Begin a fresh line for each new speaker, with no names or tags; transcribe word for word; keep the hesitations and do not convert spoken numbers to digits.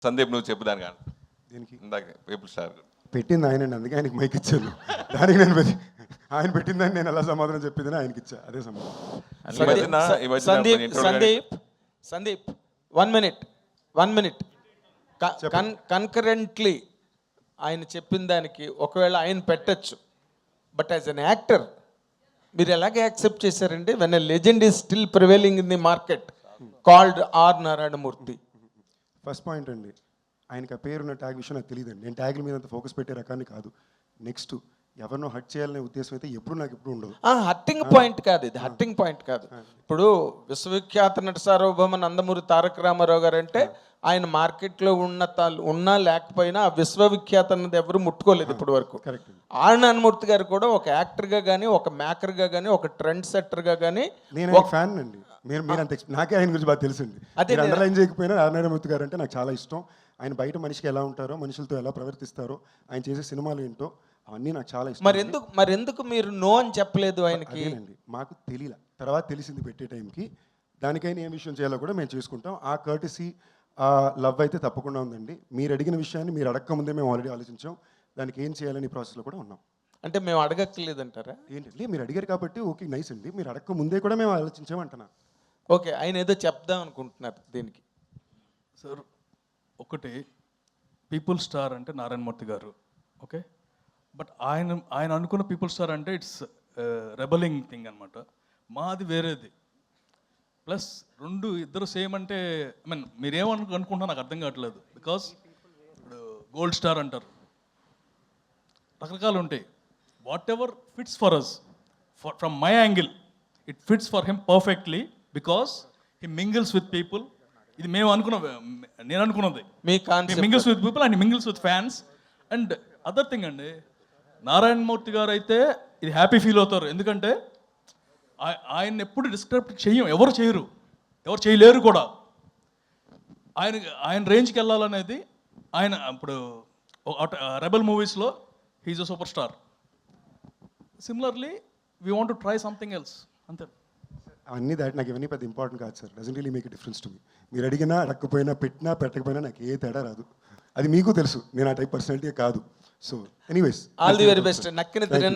సందీప్ నువ్వు చెప్పు దాని కానీ
దీనికి
ఇందాక పీపుల్ స్టార్
పెట్టింది ఆయనండి, అందుకే ఆయనకి మైక్ ఇచ్చాను. దానికి నేను పెట్టి- ఆయన పెట్టిందని నేను ఎలా సమాధానం చెప్పిందని ఆయనకి ఇచ్చా, అదే సమాధానం.
ఈ మధ్యన ఈ మధ్యన
సందీప్
కొన్ని ఇంటర్వ్యూలు
Sandeep Sandeep one minute one minute concurrently ఆయన చెప్పిన దానికి ఒకవేళ ఆయన పెట్టచ్చు, బట్ యాజ్ అన్ యాక్టర్ మీరు ఎలాగే యాక్సెప్ట్ చేశారండి? When a legend is still prevailing in the market called R Narayana Murthy.
First point అండి, ఆయనకి ఆ పేరున్న ట్యాగ్ విషయం నాకు తెలియదండి. నేను ట్యాగ్ల మీద అంత ఫోకస్ పెట్టే రకాన్ని కాదు. నెక్స్ట్ ఎవరినో హట్ చేయాలనే ఉద్దేశం అయితే ఎప్పుడు నాకు ఎప్పుడు ఉండదు.
హట్టింగ్ పాయింట్ కాదు ఇది, హట్టింగ్ పాయింట్ కాదు. ఇప్పుడు విశ్వవిఖ్యాత నట సార్వభౌమ నందమూరి తారక రామారావు గారు అంటే ఆయన మార్కెట్లో ఉన్న తా- ఉన్నా లేకపోయినా ఆ విశ్వవిఖ్యాత అన్నది ఎవరు ముట్టుకోలేదు ఇప్పటి వరకు.
కరెక్ట్.
ఆర్ నారాయణమూర్తి గారు కూడా ఒక యాక్టర్గా కానీ ఒక మేకర్గా కానీ ఒక ట్రెండ్ సెట్టర్గా కానీ
నేను ఆయన ఫ్యాన్ అండి. మీరు మీరు అంత ఎక్స్- నాకే ఆయన గురించి బాగా తెలుసండి.
అదే
మీరు అండర్లైన్ చేయకపోయినా నారాయణమూర్తి గారు అంటే నాకు చాలా ఇష్టం. ఆయన బయట మనిషికి ఎలా ఉంటారో, మనుషులతో ఎలా ప్రవర్తిస్తారో, ఆయన చేసే సినిమాలు ఏంటో అవన్నీ నాకు చాలా ఇష్టం.
మరి ఎందుకు మరి ఎందుకు మీరు నో అని చెప్పలేదు ఆయనకి?
అదేనండి, మాకు తెలియలే, తర్వాత తెలిసింది పెట్టే టైంకి. దానికైనా ఏం విషయం చేయాలో కూడా మేము చేసుకుంటాం. ఆ కర్టసీ, ఆ లవ్ అయితే తప్పకుండా ఉందండి. మీరు అడిగిన విషయాన్ని మీరు అడగక ముందే మేము ఆల్రెడీ ఆలోచించాం. దానికి ఏం చేయాలని ప్రాసెస్లో కూడా ఉన్నాం.
అంటే మేము అడగక్కర్లేదంటారా?
ఏంటంటే మీరు అడిగారు కాబట్టి ఓకే నైస్ అండి. మీరు అడగక ముందే కూడా మేము ఆలోచించామంటున్నా.
ఓకే, ఆయన ఏదో చెప్దాం అనుకుంటున్నారు దీనికి.
సార్ ఒకటి, పీపుల్ స్టార్ అంటే నారాయణమూర్తి గారు, ఓకే. బట్ ఆయన ఆయన అనుకున్న పీపుల్ స్టార్ అంటే ఇట్స్ రెబలింగ్ థింగ్ అనమాట. మాది వేరేది. ప్లస్ రెండు ఇద్దరు సేమ్ అంటే ఐ మీన్ మీరేమను అనుకుంటున్నా నాకు అర్థం కావట్లేదు. బికాస్ ఇప్పుడు గోల్డ్ స్టార్ అంటారు, రకరకాలు ఉంటాయి. Whatever fits for us, for from my angle it fits for him perfectly because he mingles with people. ఇది మేము అనుకున్న నేను అనుకున్నది.
మీ concept
mingles with people and mingles with fans. And other thing అండి, నారాయణమూర్తి గారు అయితే ఇది హ్యాపీ ఫీల్ అవుతారు. ఎందుకంటే ఆయన ఎప్పుడు డిస్క్రైబ్ చెయ్యం, ఎవరు చేయరు, ఎవరు చేయలేరు కూడా. ఆయన ఆయన రేంజ్కి వెళ్ళాలనేది ఆయన ఇప్పుడు రెబల్ మూవీస్లో he is a super star. Similarly we want to try something else, అంతే.
అన్నీ దాటి నాకు ఇవన్నీ పెద్ద ఇంపార్టెంట్ కాదు sir. Doesn't really make a difference to me. మీరు అడిగినా అడగకపోయినా, పెట్టినా పెట్టకపోయినా నాకు ఏ తేడా రాదు. అది మీకు తెలుసు. నేను ఆ టైప్ పర్సనాలిటీ కాదు. So anyways,
all the very best. నక్కిన తిరిగిన